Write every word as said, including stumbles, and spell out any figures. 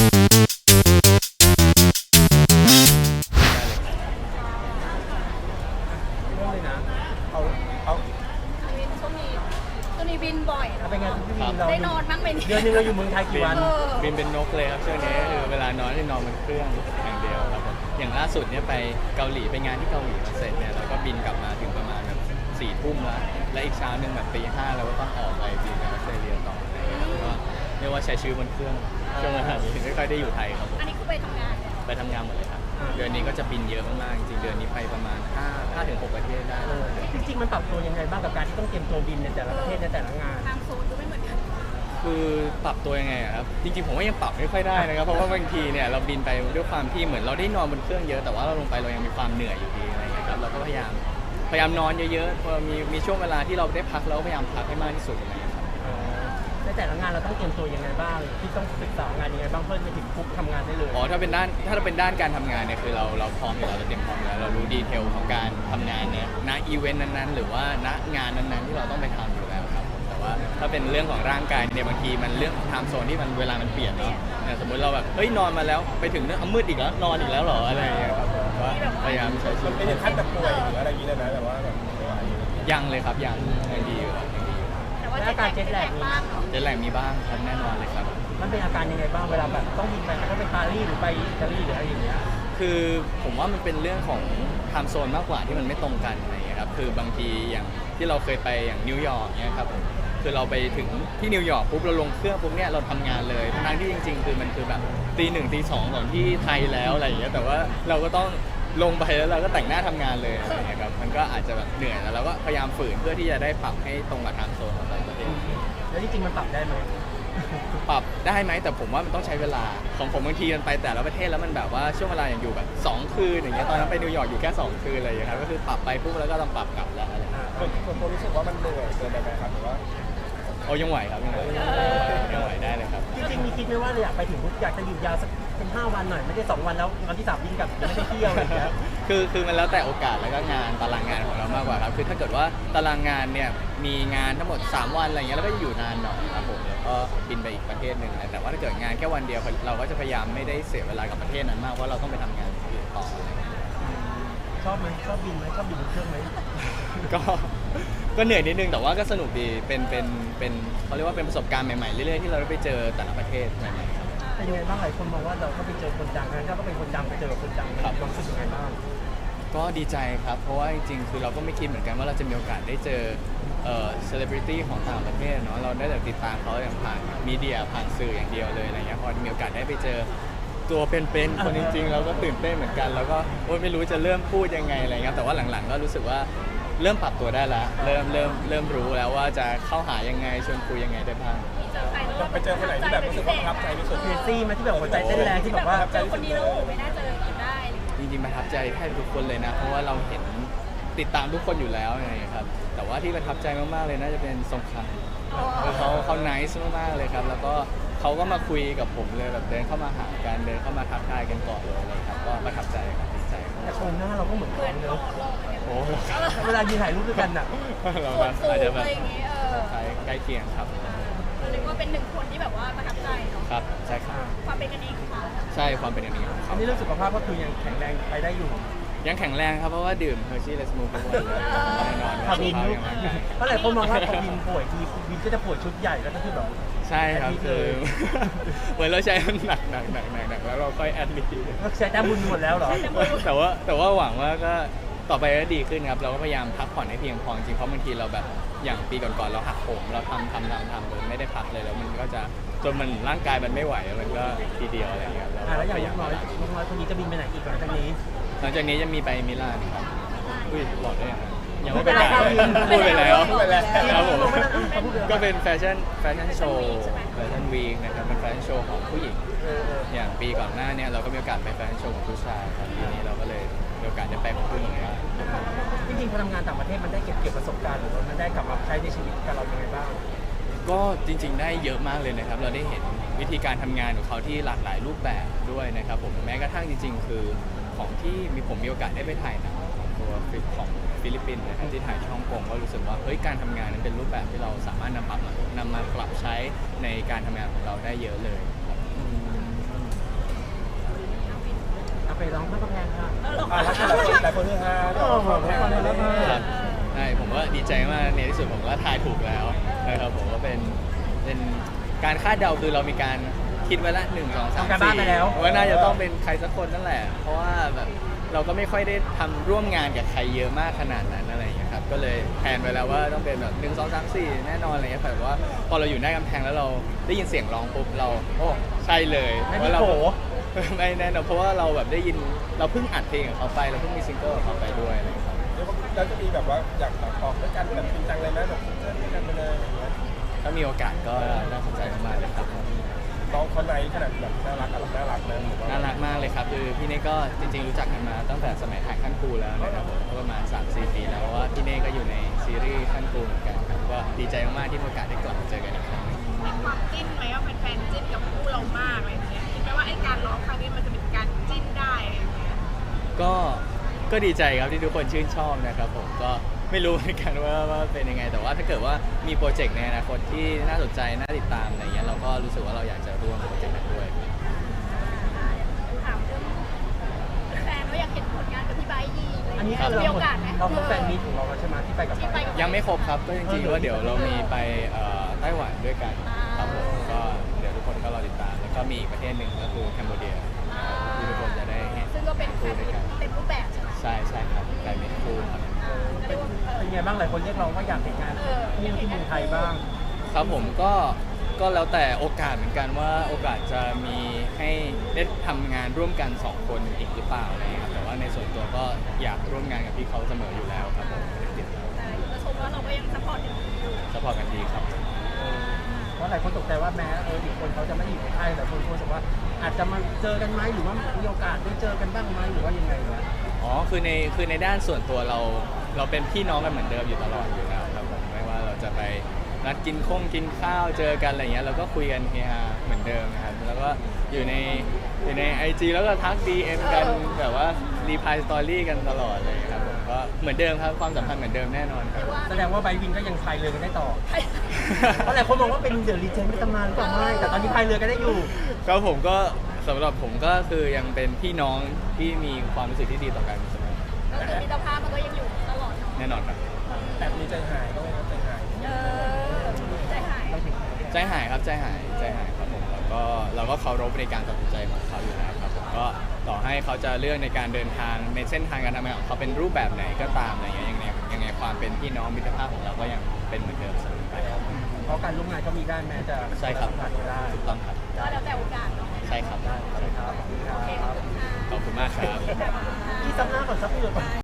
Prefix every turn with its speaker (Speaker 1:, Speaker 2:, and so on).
Speaker 1: เลยนะเอาเอา
Speaker 2: วินช่วงนี้ช่วงนี้บินบ่อยนะ
Speaker 1: เป็นไงพี่วินเรา
Speaker 2: ได้นอนบ้างไหมเนี่ย
Speaker 1: เดือนนึงเราอยู่เมืองไทยกี่วัน
Speaker 2: เออ
Speaker 3: บินเป็นนกเลยครับช่วงนี้คือเวลานอนที่นอนบนเครื่องอย่างเดียวครับผมอย่างล่าสุดเนี่ยไปเกาหลีไปงานที่เกาหลีมาเสร็จเนี่ยเราก็บินกลับมาถึงประมาณแบบสี่ทุ่มแล้วและอีกเช้าหนึ่งแบบตีห้าเราก็ต้องออกไปบินไปออสเตรเลียต่ออะไรอย่างเงี้ยก็เรียกว่าใช้ชีวิตบนเครื่องช่วงเวลานี้ไม่ค่อยได้อยู่ไทยครับผม
Speaker 2: อันนี้คือไปทำงานเนี่ย
Speaker 3: ไปทำงานหมดเลยครับเดือนนี้ก็จะบินเยอะมากๆจริงๆเดือนนี้ไปประมาณห้า ห้าถึงหกประเทศได้
Speaker 1: เออจริงๆมันปรับตัวยังไงบ้างกับการที่ต้องเตรียมตัวบินในแต่ละประเทศในแต่ละงาน
Speaker 2: ทางโซนก็ไม่เหมือนกัน
Speaker 3: คือปรับตัวยังไงอะครับจริงๆผมว่ายังปรับไม่ค่อยได้นะครับเพราะว่าบางทีเนี่ยเราบินไปด้วยความที่เหมือนเราได้นอนบนเครื่องเยอะแต่ว่าเราลงไปเรายังมีความเหนื่อยอยู่ดีอะไรอย่างเงี้ยครับเราก็พยายามพยายามนอนเยอะๆพอมีมีช่วงเวลาที่เราได้พักเราก็พยายามพักให้มากที่สุดอะไรอย่างเงี้ยครับ
Speaker 1: เออในแต่ละงานเราต้องเตรียมตัวยังไงบ้างที่ต้องศึกษางานยังไงบ้างเพื่อไปถึงปุ๊บทำงานได้เลย
Speaker 3: อ๋อถ้าเป็นด้านถ้าเป็นด้านการทำงานเนี่ยคือเราเราพร้อมอยู่แล้วเราเตรียมพร้อมอยู่แล้วเรารู้ดีเทลของการทำงานเนี่ยณอีเวนต์นั้นๆ หรือว่าณงานนั้นๆที่เราต้องไปทำอยู่แล้วครับผมแต่ว่าถ้าเป็นเรื่องของร่างกายเนี่ยบางทีมันเรื่องไทม์โซนที่มันเวลามันเปลี่ยนเนาะเนี่ยสมมติเราแบบเฮ้ยนอนมาแล้วไปถึงเนี่ยเอามืดอีกแล้วนอนอีกแล้วเหรออะไรอย่างเงี้ยครับผมว่าพยายามใช้ชีวิต
Speaker 4: ไม่ถึงขั้นแบบป่วยหรืออะไรอย่างนี้เลยนะแต่ว่าแบบไม่ไหว
Speaker 3: ยังเลยครับยังยังดีอยู่ครับยังดีอยู่
Speaker 2: แต่ว่าเจ็ตแลกบ้างเนาะ
Speaker 3: เจตแลกมีบ้างครับแน่นอนเลยครับ
Speaker 1: มันเป็นอาการยังไงบ้างเวลาแบบต้องบินไปถ้าไปปารีสหรือไปอิตาลีหรืออะไรอย่างเงี้ย
Speaker 3: คือผมว่ามันเป็นเรื่องของไทม์โซนมากกว่าที่มันไม่ตรงกันอะไรอย่างเงี้ยครับคือบางทีอย่างที่เราเคยไปอย่างนิวยอร์กเนี่ยครับคือเราไปถึงที่นิวยอร์กปุ๊บเราลงเครื่องปุ๊บเนี่ยเราทำงานเลยทั้งที่จริงๆคือมันคือแบบตีหนึ่งตีสองของที่ไทยแล้วอะไรอย่างเงี้ยแต่ว่าเราก็ต้องลงไปแล้วเราก็แต่งหน้าทำงานเลยอะไรอย่างเงี้ยครับมันก็อาจจะแบบเหนื่อยแล้วเราก็พยายามฝืนเพื่อที่จะได้ปรับให้ตรงกับไทม์โซนของแต่ละประเทศ
Speaker 1: แล้วจริงๆมันปรับได้ไหม
Speaker 3: ปรับได้ไหมแต่ผมว่ามันต้องใช้เวลาของผมบางทีมันไปแต่ละประเทศแล้วมันแบบว่าช่วงเวลาอย่างอยู่แบบสองคืนอย่างเงี้ยตอนนั้นไปนิวยอร์กอยู่แค่สองคืนอะไรอย่างเงี้ยครับก็คือปรับไปปุ๊บแล้วก็ต้องปรับกลับแล้วอะไรอย่างเงี้ย
Speaker 4: ส่วนส่วนตัวรู้สึกว่ามันเหนื่อยเกินไปไหมครับหรือว่า
Speaker 3: โอ้ยังไหวครับยังไหวยังไหวได้เลยครับ
Speaker 1: จริงๆมีคิดไหมว่าเราอยากไปถึงปุ๊บอยากจะหยุดยาวสักเป็นห้าวันหน่อยไม่ได้สองวันแล้ววันที่สามบินกลับยังไม่ได้เที่ยวอะไรอย่างเงี้ย
Speaker 3: คือคือมันแล้วแต่โอกาสแล้วก็งานตารางงานของเรามากกว่าครับคือถ้าเกิดว่าตารางงานเนี่ยมีงานทั้งหมดสามวันอะไรเงี้ยแล้วก็อยู่นานหน่อยครับผมแล้วก็บินไปอีกประเทศหนึ่งแต่ว่าถ้าเกิดงานแค่วันเดียวเราก็จะพยายามไม่ได้เสียเวลากับประเทศนั้นมากเพราะเราต้องไปทำงานอื่นต่ออะไรเงี้ย
Speaker 1: ชอบไหมชอบบินไหมชอบบินบนเครื่องไหม
Speaker 3: ก็ก็เหนื่อยนิดนึงแต่ว่าก็สนุกดีเป็นเป็นเป็นเขาเรียกว่าเป็นประสบการณ์ใหม่ๆเรื่อยๆที่เราได้ไปเจอแต่ละประเทศใหม่ๆครับ
Speaker 1: เป็นยังไงบ้างหลายคนมองว่าเราก็ไปเจอคนดังนะถ้าก็เป็นคนดังไปเจอคนดัง
Speaker 3: ครับ
Speaker 1: ความรู้สึกยังไงบ้าง
Speaker 3: ก็ดีใจครับ เพราะว่าจริงๆ คือเราก็ไม่คิดเหมือนกันว่าเราจะมีโอกาสได้เจอเอ่อเซเลบริตี้ของต่างประเทศเนาะ เราได้แต่ติดตามเขาอย่างผ่านมีเดียผ่านสื่ออย่างเดียวเลยอะไรเงี้ย พอมีโอกาสได้ไปเจอตัวเป็นๆ คนจริงๆ เราก็ตื่นเต้นเหมือนกัน แล้วก็โอ๊ยไม่รู้จะเริ่มพูดยังไงอะไรเงี้ย แต่ว่าหลังๆ ก็รู้สึกว่าเริ่มปรับตัวได้แล้ว เริ่มเริ่มเริ่มรู้แล้วว่าจะเข้าหายังไงชวนคุยยังไงได้บ้าง
Speaker 2: เจอใครแล้ว
Speaker 4: ไปเจอคนไหนที่แบบรู้สึกว่าประทับใจที่สุด
Speaker 1: เคซี่มาที่แบบหัวใจเต้นแรงที่แบบว่า
Speaker 2: เจอคนนี้แล้วโอ้ไม่น่าเจอกันได้
Speaker 3: จริงๆประทับใจแทบทุกคนเลยนะ เพราะว่าเราเห็นติดตามทุกคนอยู่แล้วไงครับ แต่ว่าที่ประทับใจมากๆเลยน่าจะเป็นทรงคังคือเขาเขาไนซ์มากๆเลยครับ แล้วก็เขาก็มาคุยกับผมเลยแบบเดินเข้ามาหากันเดินเข้ามาทักทายกันก่อนเลยครับ ก็ประทับใจครับดีใจครับ
Speaker 1: แต่โครงหน้าเราก็เหมือน
Speaker 2: เหมือน
Speaker 1: กัน
Speaker 2: หล่อ
Speaker 1: เนอะ
Speaker 2: หล่อเนี่ย
Speaker 3: โอ้
Speaker 1: เวลายืนถ่ายรูปด้วยกันอ่ะ
Speaker 3: เรา
Speaker 2: ส่วนสูง
Speaker 3: อาจจะแบ
Speaker 2: อะ
Speaker 3: บ
Speaker 2: ไรอย่างเงี้ยเออ
Speaker 3: ใกล้ใกล้เคียงครับ
Speaker 2: เรียกว่าเป็นหนึ่งคนที่แบบว่าประทับใจเนาะ
Speaker 3: ครับใช่ครับ
Speaker 2: ความเป็นกันเองของเขา
Speaker 3: ใช่ความเป็นอย่างนี้ของ
Speaker 1: อั
Speaker 3: เขา
Speaker 1: นนี้เรื่องสุขภาพก็คือยังแข็งแรงไปได้อยู่
Speaker 3: ยังแข็งแรงครับเพราะว่าดื่มเฮอร์ชี่เลสมูฟทุกวันเลยแน่นอน
Speaker 1: พอบิน
Speaker 3: เขายังร่างกาย
Speaker 1: เพราะหลายคนมองว่าพอบินป่วยทีบินก็จะป่วยชุดใหญ่แล้วก็คือแบบ
Speaker 3: ใช่ครับ
Speaker 1: แอดมิด
Speaker 3: คือ
Speaker 1: เลย
Speaker 3: เหมือนเราใช้มันหนักหนักหนักหนักหนักแล้วเราค่อยแอดมิด
Speaker 1: ก็ใช้แต้มบุญหมดแล้วเหรอ
Speaker 3: แต่ว่าแต่ว่าหวังว่าก็ต่อไปก็ดีขึ้นครับเราก็พยายามพักผ่อนให้เพียงพอจริงเพราะบางทีเราแบบอย่างปีก่อนๆเราหักโหมเราทำทำทำทำเลยไม่ได้พักเลยแล้วมันก็จะจนมันร่างกายมันไม่ไหวมันก็ทีเดียวอะไรอย่างเงี้ยเรา
Speaker 1: อ่ะแล้วอย่าง
Speaker 3: พยา
Speaker 1: ลู
Speaker 3: ยาก ม
Speaker 1: น้อยลูกน้อยคนนี้จะบินไปไหนอีกหลังจากนี้
Speaker 3: หลังจากนี้จะมีไปมิลานครับอุ้ยหลอดได้ยังไงยัง
Speaker 1: ไม่
Speaker 3: ไม่
Speaker 1: เป็
Speaker 3: เป็น น
Speaker 1: ไร
Speaker 3: ไร
Speaker 1: ครับ
Speaker 3: พูดไปแล้ว
Speaker 4: พูดไปแล้ว
Speaker 3: ครับผม
Speaker 1: พูดไปแล้ว
Speaker 3: ก็เป็นแฟชั่นแฟชั่นโชว์แฟชั่นวีคนะครับเป็นแฟชั่นโชว์ของผู้หญิง
Speaker 1: เออเออ
Speaker 3: อย่างปีก่อนหน้าเนี่ยเราก็มีโอกาสไปแฟชั่นโชว์ของผู้ชายครับปีนี้เราก็เลยมีโอกาสได้ไปของผู้หญิงครับ
Speaker 1: จริงๆพอทำงานต่างประเทศมันได้เก็บเกี่ยวประสบการณ์หรือว่ามันได้กลับมาใช้ในชีวิตกับเรายังไงบ้าง
Speaker 3: ก็จริงๆได้เยอะมากเลยนะครับเราได้เห็นวิธีการทำงานของเขาที่หลากหลายรูปแบบด้วยนะครับผมแม้กระทั่งจริงๆ คือของที่มีผมมีโอกาสได้ไปถ่ายหนังของตัวของฟิลิปปินส์นะครับที่ถ่ายที่ฮ่องกงก็รู้สึกว่าเฮ้ยการทำงานนั้นเป็นรูปแบบที่เราสามารถนำปรับมานำมาปรับใช้ในการทำงานของเราได้เยอะเลยครับ
Speaker 1: แไปร้องข้ามกำแพงค่ะ
Speaker 2: เออลอง
Speaker 4: อ่าแล้วหลายคนหลายคนฮือฮาก็ของแพงอะไรแล้วมา
Speaker 3: ครับใช่ผมก็ดีใจมากในที่สุดผมก็ทายถูกแล้วนะครับผมก็เป็นเป็นการคาดเดาคือเรามีการคิดไว้ละหนึ่งสองสาม
Speaker 1: ทำการบ้าน
Speaker 3: สี่
Speaker 1: ไปแล้ว
Speaker 3: ว่าน่าจะต้องเป็นใครสักคนนั่นแหละ เพราะว่าแบบเราก็ไม่ค่อยได้ทำร่วมงานกับใครเยอะมากขนาดนั้นอะไรอย่างเงี้ยครับก็เลยแพลนไปแล้วว่าต้องเป็นแบบหนึ่งสองสามสี่แน่นอนอะไรเงี้ยแต่ว่าพอเราอยู่หน้ากำแพงแล้วเราได้ยินเสียงร้องปุ๊บเราโอ้ใช่เลย
Speaker 1: ไม่
Speaker 3: ว่า
Speaker 1: มี
Speaker 3: เรา
Speaker 1: โผ
Speaker 3: ไม่แน่นอนเพราะว่าเราแบบได้ยินเราเพิ่งอัดเพลงกับเขาไปเราเพิ่งมีซิงเกิลกับเขาไปด้วยอะไรอย่างเงี้ยครับ
Speaker 4: แล้วจะมีแบบว่าอยากออกด้วยกันแบบจริงจังเลยไหมแบบเล่นด้วยกันไปเลยอย่างเงี้ย
Speaker 3: ถ้ามีโอกาสก็น่าสนใจมากๆเลยครับ
Speaker 4: น้องเขาในขนาดแบบน่ารักกับน่ารักนะผมว่า
Speaker 3: น่ารักมากเลยครับคือพี่เน่ก็จริงๆรู้จักกันมาตั้งแต่สมัยถ่ายขั้นครูแล้วนะครับผมก็ประมาณ สามสี่ ปีแล้วเพราะว่าพี่เน่ก็อยู่ในซีรีส์ขั้นครูเหมือนกันครับก็ดีใจมากๆที่มีโอกาสได้กลับมาเจอกันอีกครั้งหนึ่ง
Speaker 5: มีความจิ้นไหมว่าเป็นแฟนจิ้นกับคู่เรามากอะไรอย่างเงี้ยคิดไหมว่าไอ้การร้องครั้งนี้มันจะเป็นการจิ้นได้อะไรอย่างเงี้ย
Speaker 3: ก็ก็ดีใจครับที่ทุกคนชื่นชอบนะครับผมก็ไม่รู้เหมือนกันว่าว่าเป็นยังไง แต่ว่าถ้าเกิดว่ามีโปรเจกต์ในอนาคตที่น่าสนใจน่าติดตามอะไรเงี้ยเราก็รู้สึกว่าเราอยากจะร่วมโปรเจกต์นั้นด้วย
Speaker 2: ถามเรื่องแฟนว่าอยากเห็นผลงานกับพี่ไบร์ทยีอะไร
Speaker 1: อันนี้
Speaker 2: เงี้ย
Speaker 1: คือ
Speaker 2: มี
Speaker 1: เรา
Speaker 2: โอกาสไหม
Speaker 1: เราพบแฟนมีตของเราแล้วใช่ไหมที่ไปกับ
Speaker 2: ที่ไปกับ
Speaker 3: ยังไม่ครบครับก็จริงๆว่าเดี๋ยวเรามีไปเอ่อไต้หวันด้วยกันครับผมก็เดี๋ยวทุกคนก็รอติดตามแล้วก็มีอีกประเทศหนึ่งก็คือแคนเบเดียที่ทุกคนจะได้เห็น
Speaker 2: ซึ่งก็เป็นแฟนมีตเต็มรูปแบบใช่ไหม
Speaker 3: ใช่ใช่ครับกลายเป็นคู่ครับ
Speaker 2: อ่าก็เรียกว่าเออ
Speaker 1: เป็นไงบ้างหลายคนเรียกร้องว่าอยากเห็นงาน
Speaker 2: เออ
Speaker 1: ที่ที่เมืองไทยบ้าง
Speaker 3: ครับผมก็ก็แล้วแต่โอกาสเหมือนกันว่าโอกาสจะมีให้ได้ทำงานร่วมกันสองคนอีกหรือเปล่าอะไรอย่างเงี้ยครับแต่ว่าในส่วนตัวก็อยากร่วมงานกับพี่เขาเสมออยู่แล้วครับผมไม่ได้ติดแล้ว
Speaker 2: แต่จะชมว่าเราก็ยังซัพพอร์ตกันอยู่
Speaker 3: สปอร์ตกันดีครับ
Speaker 1: เพราะหลายคนตกใจว่าแม้เอออีกคนเขาจะไม่อยู่ในไทยแต่คนรู้สึกว่าอาจจะมาเจอกันไหมหรือว่ามีโอกาสได้เจอกันบ้างไหมหรือว่ายังไงวะ
Speaker 3: อ๋อคือในคือในด้านส่วนตัวเราเราเป็นพี่น้องกันเหมือนเดิมอยู่ตลอดอยู่แล้วครับผมไม่ว่าเราจะไปนัดกินข้งกินข้าวเจอกันอะไรเงี้ยเราก็คุยกันเฮฮาเหมือนเดิมนะครับแล้วก็อยู่ในอยู่ใน ไอ จี แล้วก็ทัก ดี เอ็ม กันแบบว่ารีพายสตอรี่กันตลอดเลยครับผมก็เหมือนเดิมครับความสัมพันธ์เหมือนเดิมแน่นอนครับ
Speaker 1: แสดงว่าไบร์ทวินก็ยังพายเรือกันได้ต่อ เพราะหลายคนมองว่าเป็นเดอะลีเจนด์ในตำนานหรือเปล่าไม่แต่ตอนนี้พายเรือกันได้อยู่
Speaker 3: ก็ผมก็สำหรับผมก็คือยังเป็นพี่น้องที่มีความรู้สึกที่ดีต่อกันเสมอ
Speaker 2: ก็คือมิตรภาพมันก็ยังอยู่ตลอดเนาะ
Speaker 3: แน่นอนครับ
Speaker 4: แอบมีใจหายก็ไม่ครับใจหาย
Speaker 2: เออใจหาย
Speaker 3: ใจหายครับใจหายใจหายครับผมแล้วก็เราก็เคารพในการตัดสินใจของเขาอยู่แล้วครับผมก็ต่อให้เขาจะเลือกในการเดินทางในเส้นทางการทำงานของเขาเป็นรูปแบบไหนก็ตามอะไรเงี้ยยังไงยังไงความเป็นพี่น้องมิตรภาพของเราก็ยังเป็นเหมือนเดิมเสมอไปครับ
Speaker 1: เพราะการร่วมงานก็มีได้แม้จะ
Speaker 3: ใช่ครับ
Speaker 1: สัมผัสไม่ได้
Speaker 3: ถูกต้องครับ
Speaker 2: ก็แล้วแต่โอกาสเนาะ
Speaker 3: ใช่ครับ
Speaker 1: ได้ครับขอบคุณค
Speaker 2: โอเคข
Speaker 1: รั
Speaker 2: อบบ คุณค่ะ
Speaker 3: ขอบคุณมากครับ
Speaker 2: ขอบคุณค่ะ
Speaker 1: ที่ซับหน้าก่อนซับเหงื่อก่อน